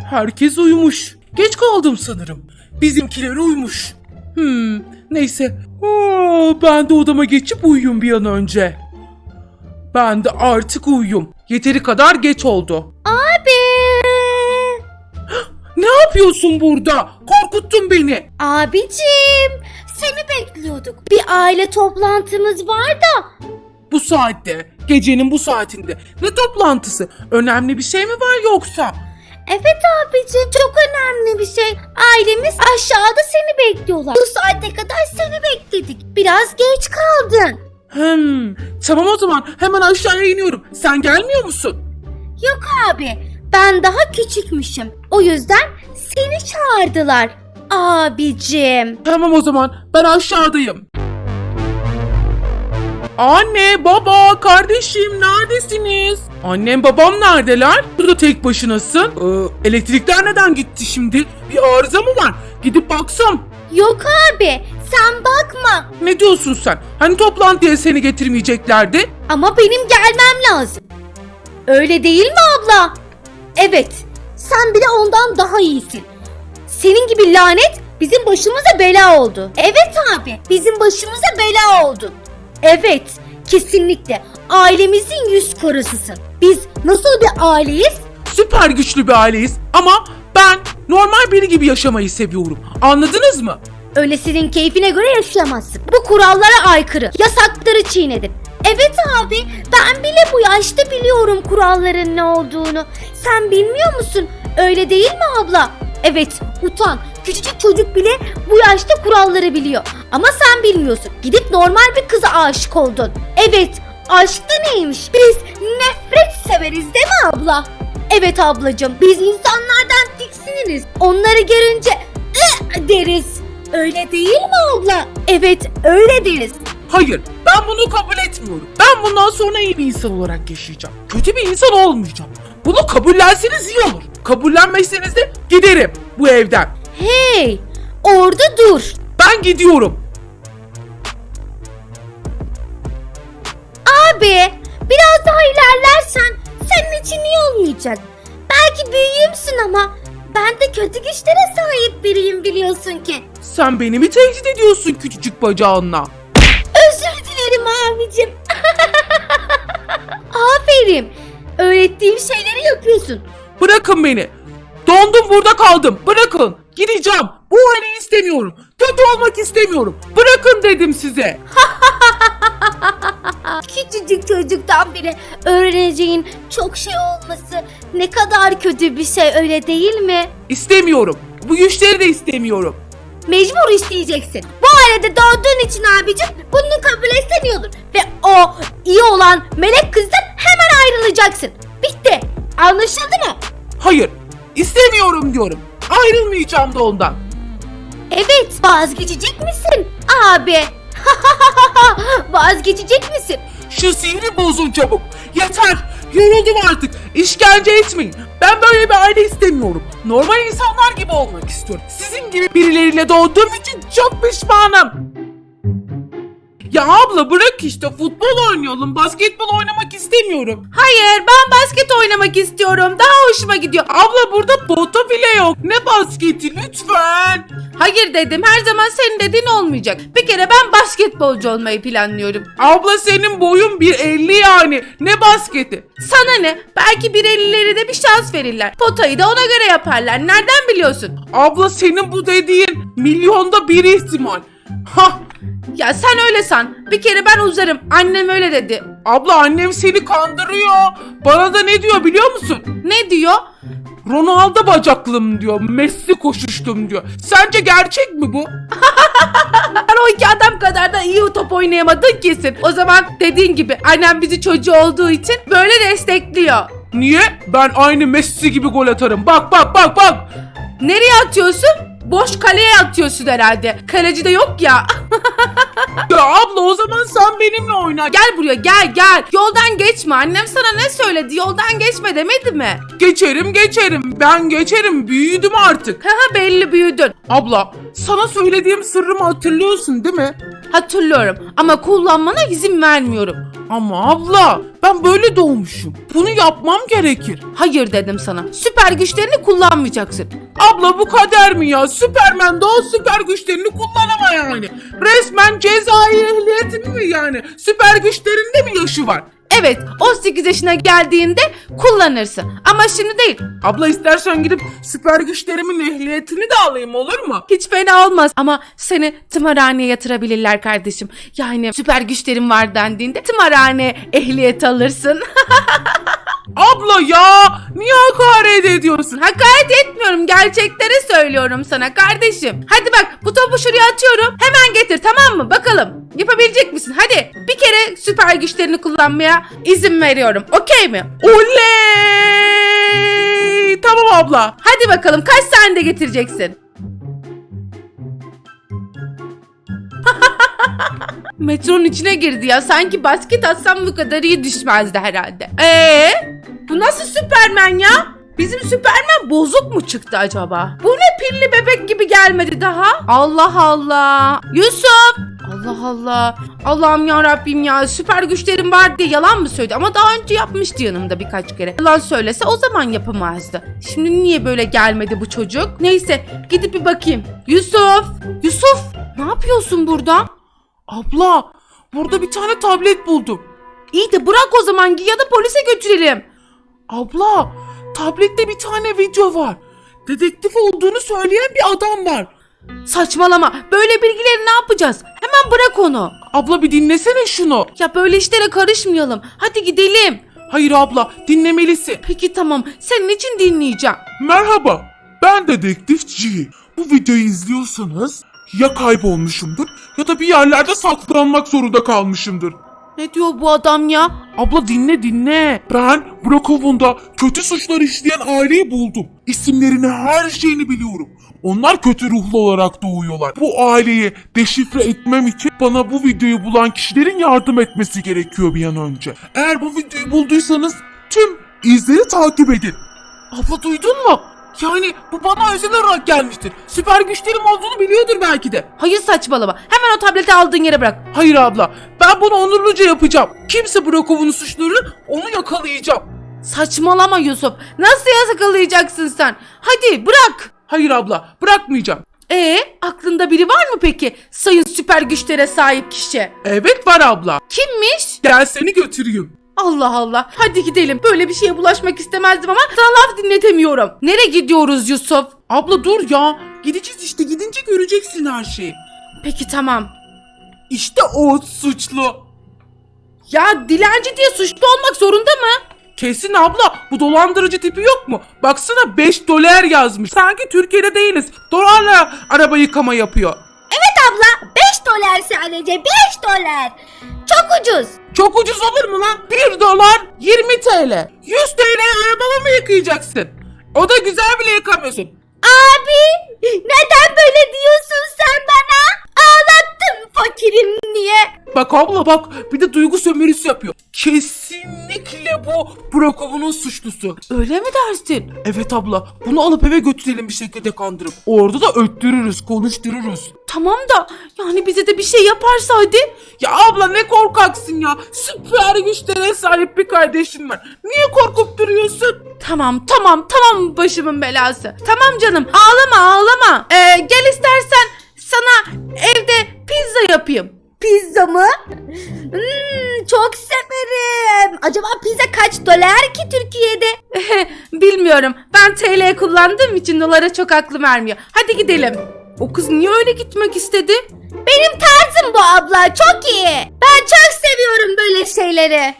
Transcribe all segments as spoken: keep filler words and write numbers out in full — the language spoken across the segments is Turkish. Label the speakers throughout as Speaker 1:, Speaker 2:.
Speaker 1: Herkes uyumuş. Geç kaldım sanırım. Bizimkiler uyumuş. Hmm, neyse. Aa, ben de odama geçip uyuyayım bir an önce. Ben de artık uyuyayım. Yeteri kadar geç oldu.
Speaker 2: Abi.
Speaker 1: Ne yapıyorsun burada? Korkuttun beni.
Speaker 2: Abicim, seni bekliyorduk. Bir aile toplantımız var da.
Speaker 1: Bu saatte, gecenin bu saatinde. Ne toplantısı? Önemli bir şey mi var yoksa?
Speaker 2: Evet abicim, çok önemli bir şey. Ailemiz aşağıda seni bekliyorlar. Bu saate kadar seni bekledik. Biraz geç kaldın.
Speaker 1: Hmm, tamam o zaman hemen aşağıya iniyorum. Sen gelmiyor musun?
Speaker 2: Yok abi, ben daha küçükmüşüm. O yüzden seni çağırdılar. Abicim.
Speaker 1: Tamam o zaman ben aşağıdayım. Anne, baba, kardeşim neredesiniz? Annem babam neredeler? Burada tek başınasın. Ee, elektrikler neden gitti şimdi? Bir arıza mı var? Gidip baksam.
Speaker 2: Yok abi, sen bakma.
Speaker 1: Ne diyorsun sen? Hani toplantıya seni getirmeyeceklerdi?
Speaker 2: Ama benim gelmem lazım. Öyle değil mi abla? Evet, sen bile ondan daha iyisin. Senin gibi lanet bizim başımıza bela oldu. Evet abi, bizim başımıza bela oldu. Evet, kesinlikle ailemizin yüz karasısın. Biz nasıl bir aileyiz?
Speaker 1: Süper güçlü bir aileyiz ama ben normal biri gibi yaşamayı seviyorum. Anladınız mı?
Speaker 2: Öyle senin keyfine göre yaşayamazsın. Bu kurallara aykırı. Yasakları çiğnedin. Evet abi, ben bile bu yaşta biliyorum kuralların ne olduğunu. Sen bilmiyor musun? Öyle değil mi abla? Evet, utan. Küçücük çocuk bile bu yaşta kuralları biliyor. Ama sen bilmiyorsun. Gidip normal bir kıza aşık oldun. Evet, aşk da neymiş? Biz nefret severiz değil mi abla? Evet ablacığım, biz insanlardan tiksiniriz. Onları görünce ıh deriz. Öyle değil mi abla? Evet, öyle deriz.
Speaker 1: Hayır, ben bunu kabul etmiyorum. Ben bundan sonra iyi bir insan olarak yaşayacağım. Kötü bir insan olmayacağım. Bunu kabullenseniz iyi olur. Kabullenmezseniz de giderim bu evden.
Speaker 2: Hey, orada dur.
Speaker 1: Ben gidiyorum.
Speaker 2: Abi, biraz daha ilerlersen senin için iyi olmayacak. Belki büyüğümsün ama ben de kötü güçlere sahip biriyim biliyorsun ki.
Speaker 1: Sen beni mi tehdit ediyorsun küçücük bacağınla?
Speaker 2: Özür dilerim abicim. Aferin. Öğrettiğim şeyleri yapıyorsun.
Speaker 1: Bırakın beni. Dondum burada kaldım. Bırakın. Gideceğim. Bu aileyi istemiyorum. Kötü olmak istemiyorum. Bırakın dedim size.
Speaker 2: Küçücük çocuktan beri öğreneceğin çok şey olması ne kadar kötü bir şey, öyle değil mi?
Speaker 1: İstemiyorum. Bu güçleri de istemiyorum.
Speaker 2: Mecbur isteyeceksin. Bu ailede doğduğun için abicim bunu kabul etsen iyi olur. Ve o iyi olan melek kızdan hemen ayrılacaksın. Bitti. Anlaşıldı mı?
Speaker 1: Hayır. İstemiyorum diyorum. Ayrılmayacağım da ondan.
Speaker 2: Evet. Vazgeçecek misin abi? Vazgeçecek misin?
Speaker 1: Şu sihri bozun çabuk. Yeter. Yoruldum artık. İşkence etmeyin. Ben böyle bir aile istemiyorum. Normal insanlar gibi olmak istiyorum. Sizin gibi birileriyle doğduğum için çok pişmanım. Ya abla bırak işte, futbol oynayalım. Basketbol oynamak istemiyorum. Hayır, ben basket oynamak istiyorum. Daha hoşuma gidiyor. Abla burada pota bile yok. Ne basketi lütfen.
Speaker 3: Hayır dedim, her zaman senin dediğin olmayacak. Bir kere ben basketbolcu olmayı planlıyorum.
Speaker 1: Abla senin boyun bir elli yani. Ne basketi?
Speaker 3: Sana ne? Belki bir ellileri de bir şans verirler. Potayı da ona göre yaparlar. Nereden biliyorsun?
Speaker 1: Abla senin bu dediğin milyonda bir ihtimal. Hah.
Speaker 3: Ya sen öyle san. Bir kere ben uzarım. Annem öyle dedi.
Speaker 1: Abla annem seni kandırıyor. Bana da ne diyor biliyor musun?
Speaker 3: Ne diyor?
Speaker 1: Ronaldo bacaklım diyor. Messi koşuştum diyor. Sence gerçek mi bu?
Speaker 3: Ben o iki adam kadar da iyi top oynayamadın kesin. O zaman dediğin gibi annem bizi çocuğu olduğu için böyle destekliyor.
Speaker 1: Niye? Ben aynı Messi gibi gol atarım. Bak bak bak bak.
Speaker 3: Nereye atıyorsun? Boş kaleye atıyorsun herhalde. Kaleci de yok ya.
Speaker 1: Ya abla o zaman sen benimle oyna.
Speaker 3: Gel buraya, gel gel. Yoldan geçme. Annem sana ne söyledi? Yoldan geçme demedi mi?
Speaker 1: Geçerim geçerim. Ben geçerim. Büyüdüm artık.
Speaker 3: Haha, belli büyüdün.
Speaker 1: Abla sana söylediğim sırrımı hatırlıyorsun değil mi?
Speaker 3: Hatırlıyorum ama kullanmana izin vermiyorum.
Speaker 1: Ama abla ben böyle doğmuşum. Bunu yapmam gerekir.
Speaker 3: Hayır dedim sana. Süper güçlerini kullanmayacaksın.
Speaker 1: Abla bu kader mi ya? Süpermen doğal süper güçlerini kullanama yani. Resmen cezai ehliyeti mi yani? Süper güçlerinde mi yaşı var?
Speaker 3: Evet, on sekiz yaşına geldiğinde kullanırsın. Ama şimdi değil.
Speaker 1: Abla istersen gidip süper güçlerimin ehliyetini de alayım, olur mu?
Speaker 3: Hiç fena olmaz ama seni tımarhaneye yatırabilirler kardeşim. Yani süper güçlerin var dendiğinde tımarhane ehliyet alırsın.
Speaker 1: Abla ya niye hakaret ediyorsun?
Speaker 3: Hakaret etmiyorum, gerçekleri söylüyorum sana kardeşim. Hadi bak, bu topu şuraya atıyorum. Hemen getir, tamam mı? Bakalım yapabilecek misin? Hadi bir kere süper güçlerini kullanmaya izin veriyorum. Okey mi?
Speaker 1: Oley! Tamam abla.
Speaker 3: Hadi bakalım, kaç saniyede getireceksin? Metronun içine girdi ya. Sanki basket atsam bu kadar iyi düşmezdi herhalde. Eee? Bu nasıl Süpermen ya? Bizim Süpermen bozuk mu çıktı acaba? Bu ne pilli bebek gibi gelmedi daha? Allah Allah. Yusuf. Allah Allah. Allah'ım ya Rabbim ya. Süper güçlerim var diye yalan mı söyledi? Ama daha önce yapmıştı yanımda birkaç kere. Yalan söylese o zaman yapamazdı. Şimdi niye böyle gelmedi bu çocuk? Neyse, gidip bir bakayım. Yusuf. Yusuf. Ne yapıyorsun burada?
Speaker 1: Abla burada bir tane tablet buldum.
Speaker 3: İyi de bırak o zaman, ya da polise götürelim.
Speaker 1: Abla tablette bir tane video var. Dedektif olduğunu söyleyen bir adam var.
Speaker 3: Saçmalama. Böyle bilgileri ne yapacağız? Hemen bırak onu.
Speaker 1: Abla bir dinlesene şunu.
Speaker 3: Ya böyle işlere karışmayalım. Hadi gidelim.
Speaker 1: Hayır abla dinlemelisin.
Speaker 3: Peki tamam. Senin için dinleyeceğim.
Speaker 4: Merhaba, ben Dedektif G. Bu videoyu izliyorsanız ya kaybolmuşumdur ya da bir yerlerde saklanmak zorunda kalmışımdır.
Speaker 3: Ne diyor bu adam ya?
Speaker 1: Abla dinle dinle.
Speaker 4: Ben Brookhaven'da kötü suçlar işleyen aileyi buldum. İsimlerini, her şeyini biliyorum. Onlar kötü ruhlu olarak doğuyorlar. Bu aileyi deşifre etmem için bana bu videoyu bulan kişilerin yardım etmesi gerekiyor bir an önce. Eğer bu videoyu bulduysanız tüm izleri takip edin.
Speaker 1: Abla duydun mu? Yani bu bana özel olarak gelmiştir. Süper güçlerim olduğunu biliyordur belki de.
Speaker 3: Hayır, saçmalama. Hemen o tableti aldığın yere bırak.
Speaker 1: Hayır abla ben bunu onurluca yapacağım. Kimse Brokov'un suçları onu yakalayacağım.
Speaker 3: Saçmalama Yusuf. Nasıl yasakalayacaksın sen? Hadi bırak.
Speaker 1: Hayır abla bırakmayacağım.
Speaker 3: Ee, aklında biri var mı peki? Sayın süper güçlere sahip kişi.
Speaker 1: Evet var abla.
Speaker 3: Kimmiş?
Speaker 1: Gel seni götüreyim.
Speaker 3: Allah Allah. Hadi gidelim. Böyle bir şeye bulaşmak istemezdim ama sana laf dinletemiyorum. Nereye gidiyoruz Yusuf?
Speaker 1: Abla dur ya. Gideceğiz işte, gidince göreceksin her şeyi.
Speaker 3: Peki tamam.
Speaker 1: İşte o suçlu.
Speaker 3: Ya dilenci diye suçlu olmak zorunda mı?
Speaker 1: Kesin abla bu dolandırıcı tipi yok mu? Baksana beş dolar yazmış. Sanki Türkiye'de değiliz. Dolarla araba yıkama yapıyor.
Speaker 2: Evet abla, beş dolar sadece, beş dolar. Çok ucuz.
Speaker 1: Çok ucuz olur mu lan? bir dolar yirmi TL. yüz TL'ye arabamı mı yıkayacaksın? O da güzel bile yıkamıyorsun.
Speaker 2: Abi, neden böyle diyorsun sen bana? Ağlattın fakirim diye.
Speaker 1: Bak abla bak bir de duygu sömürüsü yapıyor. Kesinlikle bu Brokov'un suçlusu.
Speaker 3: Öyle mi dersin?
Speaker 1: Evet abla bunu alıp eve götürelim bir şekilde kandırıp. Orada da öttürürüz, konuştururuz.
Speaker 3: Tamam da yani bize de bir şey yaparsa hadi.
Speaker 1: Ya abla ne korkaksın ya. Süper güçlere sahip bir kardeşim var. Niye korkup duruyorsun?
Speaker 3: Tamam tamam tamam başımın belası. Tamam canım, ağlama ağlama. Ee, gel istersen sana evde pizza yapayım.
Speaker 2: Pizza mı? Hmm, çok severim. Acaba pizza kaç dolar ki Türkiye'de?
Speaker 3: Bilmiyorum. Ben T L kullandığım için dolara çok aklım ermiyor. Hadi gidelim. O kız niye öyle gitmek istedi?
Speaker 2: Benim tarzım bu abla, çok iyi. Ben çok seviyorum böyle şeyleri.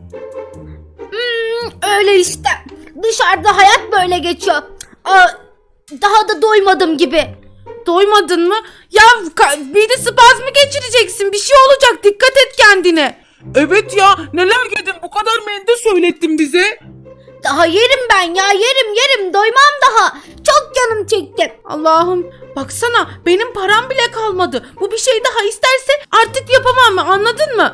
Speaker 2: Hmm, öyle işte. Dışarıda hayat böyle geçiyor. Aa, daha da doymadım gibi.
Speaker 3: Doymadın mı? Ya ka- mide spazmı geçireceksin. Bir şey olacak. Dikkat et kendine.
Speaker 1: Evet ya neler yedin bu kadar mende söylettin bize.
Speaker 2: Daha yerim ben ya, yerim yerim, doymam daha. Çok canım çekti.
Speaker 3: Allah'ım, baksana benim param bile kalmadı. Bu bir şey daha isterse artık yapamam mı, anladın mı?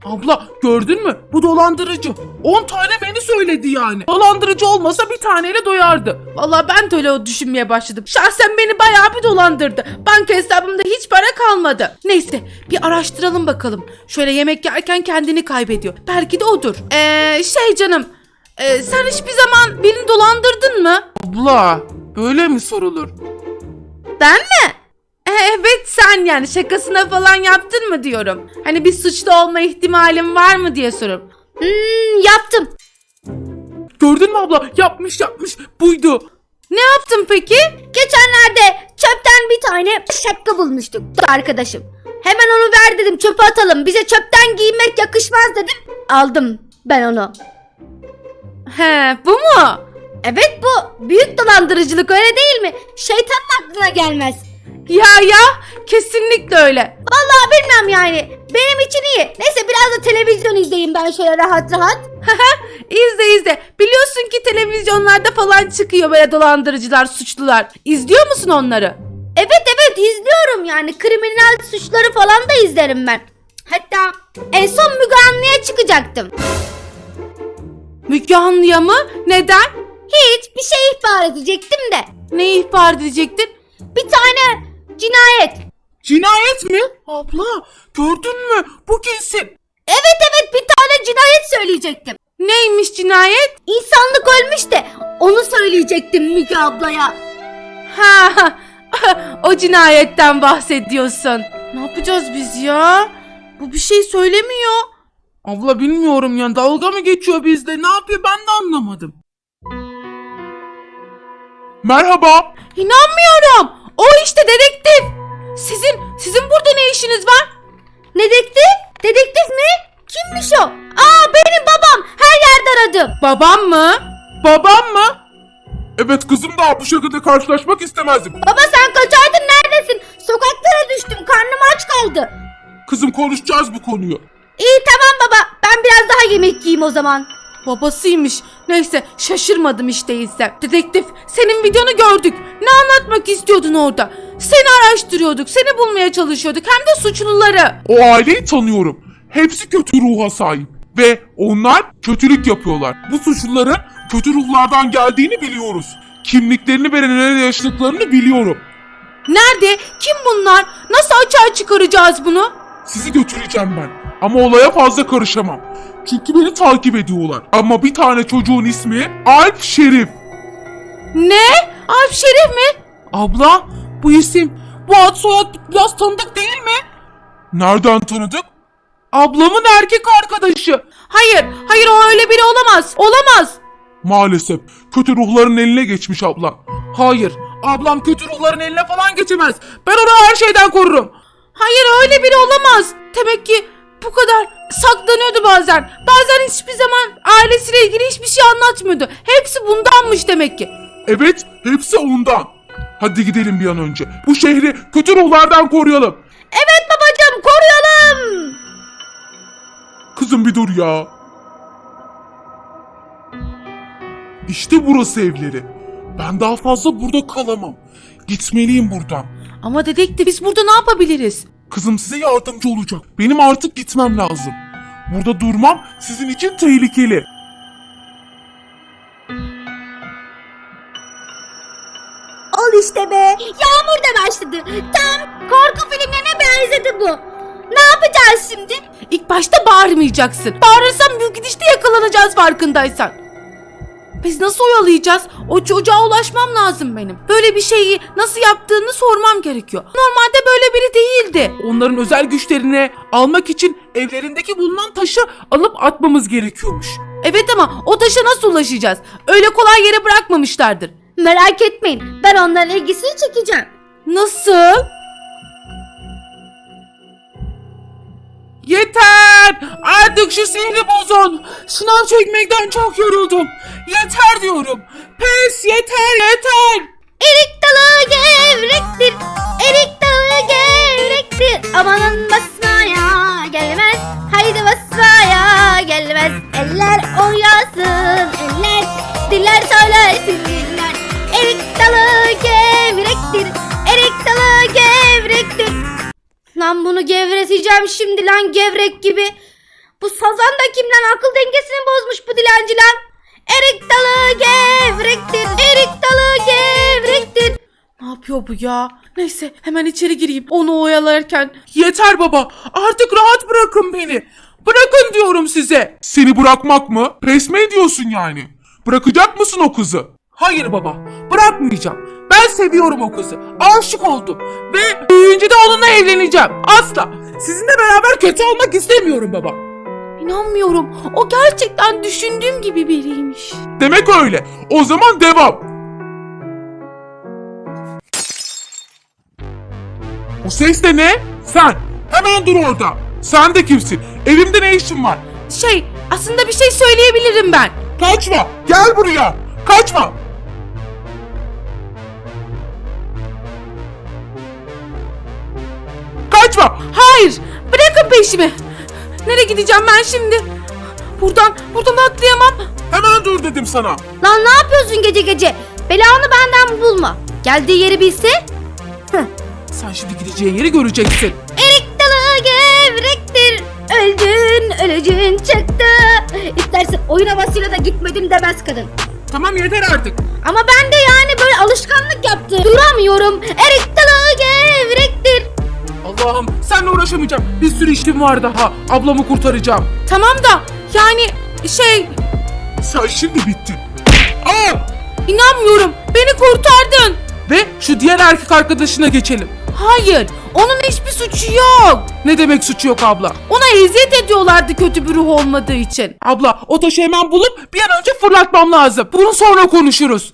Speaker 1: Abla gördün mü? Bu dolandırıcı. on tane menü söyledi yani. Dolandırıcı olmasa bir taneyle doyardı.
Speaker 3: Vallahi ben de öyle düşünmeye başladım. Şahsen beni bayağı bir dolandırdı. Banka hesabımda hiç para kalmadı. Neyse bir araştıralım bakalım. Şöyle yemek yerken kendini kaybediyor. Belki de odur. Eee şey canım. e, sen hiçbir zaman birini dolandırdın mı?
Speaker 1: Abla böyle mi sorulur?
Speaker 3: Ben mi? E, evet sen yani şakasına falan yaptın mı diyorum. Hani bir suçlu olma ihtimalin var mı diye soruyorum.
Speaker 2: Hmm, yaptım.
Speaker 1: Gördün mü abla? Yapmış yapmış. Buydu.
Speaker 3: Ne yaptın peki?
Speaker 2: Geçenlerde çöpten bir tane şapka bulmuştuk arkadaşım. Hemen onu ver dedim, çöpe atalım. Bize çöpten giymek yakışmaz dedim. Aldım ben onu.
Speaker 3: He bu mu?
Speaker 2: Evet, bu büyük dolandırıcılık, öyle değil mi? Şeytanın aklına gelmez.
Speaker 3: Ya ya kesinlikle öyle.
Speaker 2: Vallahi bilmem yani. Benim için iyi. Neyse biraz da televizyon izleyeyim ben şöyle rahat rahat.
Speaker 3: İzle izle. Biliyorsun ki televizyonlarda falan çıkıyor böyle dolandırıcılar, suçlular. İzliyor musun onları?
Speaker 2: Evet evet izliyorum yani. Kriminal suçları falan da izlerim ben. Hatta en son Müge Anlı'ya çıkacaktım.
Speaker 3: Müge Anlı'ya mı? Neden?
Speaker 2: Hiç bir şey ihbar edecektim de.
Speaker 3: Ne ihbar edecektin?
Speaker 2: Bir tane cinayet.
Speaker 1: Cinayet mi? Abla gördün mü? Bu kesin.
Speaker 2: Evet evet bir tane cinayet söyleyecektim.
Speaker 3: Neymiş cinayet?
Speaker 2: İnsanlık ölmüş de onu söyleyecektim Müge ablaya.
Speaker 3: Ha, o cinayetten bahsediyorsun. Ne yapacağız biz ya? Bu bir şey söylemiyor.
Speaker 1: Abla bilmiyorum ya, dalga mı geçiyor bizde? Ne yapıyor ben de anlamadım.
Speaker 4: Merhaba.
Speaker 3: İnanmıyorum. O işte dedektif. Sizin sizin burada ne işiniz var?
Speaker 2: Dedektif? Dedektif mi? Kimmiş o? Aa benim babam. Her yerde aradım.
Speaker 3: Babam mı?
Speaker 1: Babam mı?
Speaker 4: Evet kızım, daha bu şekilde karşılaşmak istemezdim.
Speaker 2: Baba sen kaçardın, neredesin? Sokaklara düştüm, karnım aç kaldı.
Speaker 4: Kızım, konuşacağız bu konuyu.
Speaker 2: İyi tamam baba, ben biraz daha yemek yiyeyim o zaman.
Speaker 3: Babasıymış. Neyse şaşırmadım hiç değilse. Dedektif senin videonu gördük. Ne anlatmak istiyordun orada? Seni araştırıyorduk. Seni bulmaya çalışıyorduk. Hem de suçluları.
Speaker 4: O aileyi tanıyorum. Hepsi kötü ruha sahip. Ve onlar kötülük yapıyorlar. Bu suçluların kötü ruhlardan geldiğini biliyoruz. Kimliklerini ve nerede yaşadıklarını biliyorum.
Speaker 3: Nerede? Kim bunlar? Nasıl açığa çıkaracağız bunu?
Speaker 4: Sizi götüreceğim ben. Ama olaya fazla karışamam. Çünkü beni takip ediyorlar. Ama bir tane çocuğun ismi Alp Şerif.
Speaker 3: Ne? Alp Şerif mi?
Speaker 1: Abla bu isim, bu ad soyad biraz tanıdık değil mi?
Speaker 4: Nereden tanıdık?
Speaker 1: Ablamın erkek arkadaşı.
Speaker 3: Hayır. Hayır o öyle biri olamaz. Olamaz.
Speaker 4: Maalesef kötü ruhların eline geçmiş abla.
Speaker 1: Hayır, ablam kötü ruhların eline falan geçemez. Ben onu her şeyden korurum.
Speaker 3: Hayır öyle biri olamaz. Demek ki bu kadar saklanıyordu bazen. Bazen hiçbir zaman ailesiyle ilgili hiçbir şey anlatmıyordu. Hepsi bundanmış demek ki.
Speaker 4: Evet, hepsi ondan. Hadi gidelim bir an önce. Bu şehri kötü ruhlardan koruyalım.
Speaker 2: Evet babacığım, koruyalım.
Speaker 4: Kızım bir dur ya. İşte burası evleri. Ben daha fazla burada kalamam. Gitmeliyim buradan.
Speaker 3: Ama dedektif biz burada ne yapabiliriz?
Speaker 4: Kızım size yardımcı olacak. Benim artık gitmem lazım. Burada durmam sizin için tehlikeli.
Speaker 2: Al işte be. Yağmur da başladı. Tam korku filmlerine benzedi bu. Ne yapacağız şimdi?
Speaker 3: İlk başta bağırmayacaksın. Bağırırsan büyük gidişte yakalanacağız farkındaysan. Biz nasıl oyalayacağız? O çocuğa ulaşmam lazım benim. Böyle bir şeyi nasıl yaptığını sormam gerekiyor. Normalde böyle biri değildi.
Speaker 1: Onların özel güçlerini almak için evlerindeki bulunan taşı alıp atmamız gerekiyormuş.
Speaker 3: Evet ama o taşa nasıl ulaşacağız? Öyle kolay yere bırakmamışlardır.
Speaker 2: Merak etmeyin, ben onların ilgisini çekeceğim.
Speaker 3: Nasıl?
Speaker 1: Yeter! Artık şu sihri bozun. Sınav çekmekten çok yoruldum. Yeter diyorum. Pes, yeter yeter.
Speaker 2: Erik dalı gevrektir, erik dalı gevrektir. Amanın basmaya gelmez, haydi basmaya gelmez. Eller oynasın, eller, diller söylesin diller. Erik dalı gevrektir, erik dalı gevrektir. Lan bunu gevreteceğim şimdi lan, gevrek gibi. Bu sazan da kim lan? Akıl dengesini bozmuş bu dilenci lan. Erik dalı gevrektir. Erik dalı gevrektir.
Speaker 3: Ne yapıyor bu ya? Neyse hemen içeri gireyim onu oyalarken.
Speaker 1: Yeter baba. Artık rahat bırakın beni. Bırakın diyorum size.
Speaker 4: Seni bırakmak mı? Pes mi ediyorsun yani? Bırakacak mısın o kızı?
Speaker 1: Hayır baba. Bırakmayacağım. Ben seviyorum o kızı. Aşık oldum. Ve büyüyünce de onunla evleneceğim. Asla. Sizinle beraber kötü olmak istemiyorum baba.
Speaker 3: İnanmıyorum. O gerçekten düşündüğüm gibi biriymiş.
Speaker 4: Demek öyle. O zaman devam. O ses de ne? Sen. Hemen dur orada. Sen de kimsin? Evimde ne işin var?
Speaker 3: Şey aslında bir şey söyleyebilirim ben.
Speaker 4: Kaçma. Gel buraya. Kaçma. Kaçma.
Speaker 3: Hayır bırakın peşimi. Nereye gideceğim ben şimdi? Buradan buradan atlayamam.
Speaker 4: Hemen dur dedim sana.
Speaker 2: Lan ne yapıyorsun gece gece? Belanı benden bulma. Geldiği yeri bilse. Hıh.
Speaker 1: Sen şimdi gideceğin yeri göreceksin.
Speaker 2: Erik dalı gevrektir. Öldün ölücün çıktı. İstersen oyun havasıyla da gitmedim demez kadın.
Speaker 1: Tamam yeter artık.
Speaker 2: Ama ben de yani böyle alışkanlık yaptım. Duramıyorum. Erik dalı gevrektir.
Speaker 1: Allah'ım seninle uğraşamayacağım. Bir sürü işim var daha. Ablamı kurtaracağım.
Speaker 3: Tamam da yani şey
Speaker 4: Sen şimdi bittin. Aa!
Speaker 3: inanmıyorum. Beni kurtardın.
Speaker 1: Ve şu diğer erkek arkadaşına geçelim.
Speaker 3: Hayır onun hiçbir suçu yok.
Speaker 1: Ne demek suçu yok abla?
Speaker 3: Ona eziyet ediyorlardı kötü bir ruh olmadığı için.
Speaker 1: Abla o taşı hemen bulup bir an önce fırlatmam lazım. Bunu sonra konuşuruz.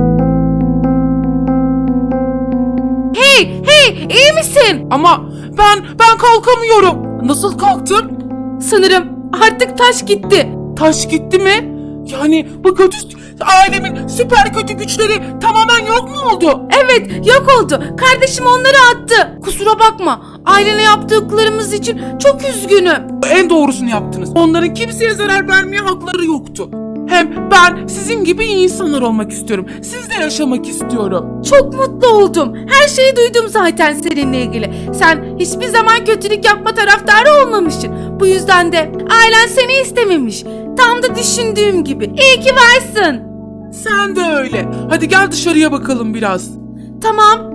Speaker 3: Hey hey iyi misin?
Speaker 1: Ama ben ben kalkamıyorum. Nasıl kalktım?
Speaker 3: Sanırım artık taş gitti.
Speaker 1: Taş gitti mi? Yani bu kötü ailemin süper kötü güçleri tamamen yok mu oldu?
Speaker 3: Evet yok oldu. Kardeşim onları attı. Kusura bakma. Ailene yaptıklarımız için çok üzgünüm.
Speaker 1: En doğrusunu yaptınız. Onların kimseye zarar vermeye hakları yoktu. Hem ben sizin gibi iyi insanlar olmak istiyorum. Sizle yaşamak istiyorum.
Speaker 3: Çok mutlu oldum. Her şeyi duydum zaten seninle ilgili. Sen hiçbir zaman kötülük yapma taraftarı olmamışsın. Bu yüzden de ailen seni istememiş. Tam da düşündüğüm gibi. İyi ki varsın.
Speaker 1: Sen de öyle. Hadi gel dışarıya bakalım biraz.
Speaker 3: Tamam.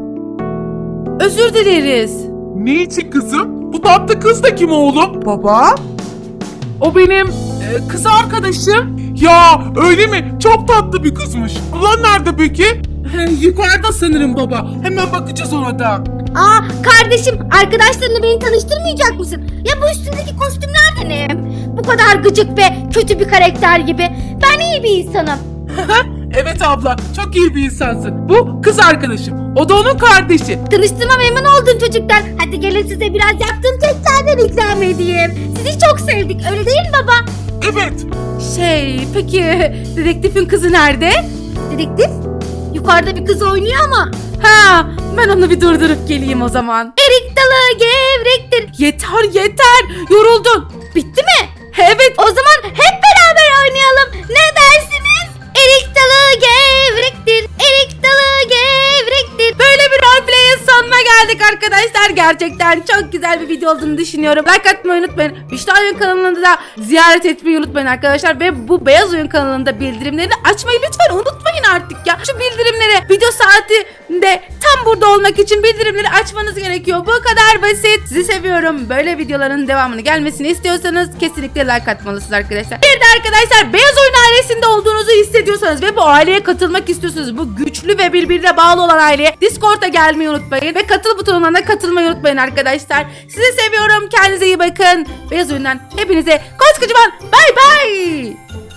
Speaker 3: Özür dileriz.
Speaker 4: Ne için kızım? Bu tatlı kız da kim oğlum?
Speaker 1: Baba? O benim e, kız arkadaşım.
Speaker 4: Ya öyle mi? Çok tatlı bir kızmış. Ulan nerede peki?
Speaker 1: He, yukarıda sanırım baba. Hemen bakacağız ona da.
Speaker 2: Aa kardeşim arkadaşlarını beni tanıştırmayacak mısın? Ya bu üstündeki kostümler de ne? Bu kadar gıcık ve kötü bir karakter gibi. Ben iyi bir insanım.
Speaker 1: Evet abla, çok iyi bir insansın. Bu kız arkadaşım. O da onun kardeşi.
Speaker 2: Tanıştığıma memnun oldum çocuklar. Hadi gelin size biraz yaptığım keklerden ikram edeyim. Sizi çok sevdik öyle değil mi baba?
Speaker 4: Evet.
Speaker 3: Şey peki dedektifin kızı nerede?
Speaker 2: Dedektif yukarıda bir kız oynuyor ama.
Speaker 3: Ha ben onu bir durdurup geleyim o zaman.
Speaker 2: Erik dalı gevrektir.
Speaker 3: Yeter yeter yoruldun.
Speaker 2: Bitti mi?
Speaker 3: Evet
Speaker 2: O zaman hep beraber oynayalım. Ne dersiniz? Erik dalı gevrektir. Erik dalı gevrektir.
Speaker 3: böyle bir roleplay'in sonuna geldik arkadaşlar. Gerçekten çok güzel bir video olduğunu düşünüyorum. Like atmayı unutmayın. Büşra Oyun kanalını da ziyaret etmeyi unutmayın arkadaşlar. Ve bu Beyaz Oyun kanalında bildirimleri açmayı lütfen unutmayın artık ya. Şu bildirimleri video saatinde tam burada olmak için bildirimleri açmanız gerekiyor. Bu kadar basit. Sizi seviyorum. Böyle videoların devamını gelmesini istiyorsanız kesinlikle like atmalısınız arkadaşlar. Bir de arkadaşlar Beyaz Oyun ailesinde olduğunuzu hissediyorsanız ve bu aileye katılmak istiyorsanız, bu güçlü ve birbirine bağlı olan aileye Discord'a gelmeyi unutmayın ve katıl butonuna da katılmayı unutmayın arkadaşlar. Sizi seviyorum. Kendinize iyi bakın. Beyaz Oyun'dan hepinize koskocaman bay bay.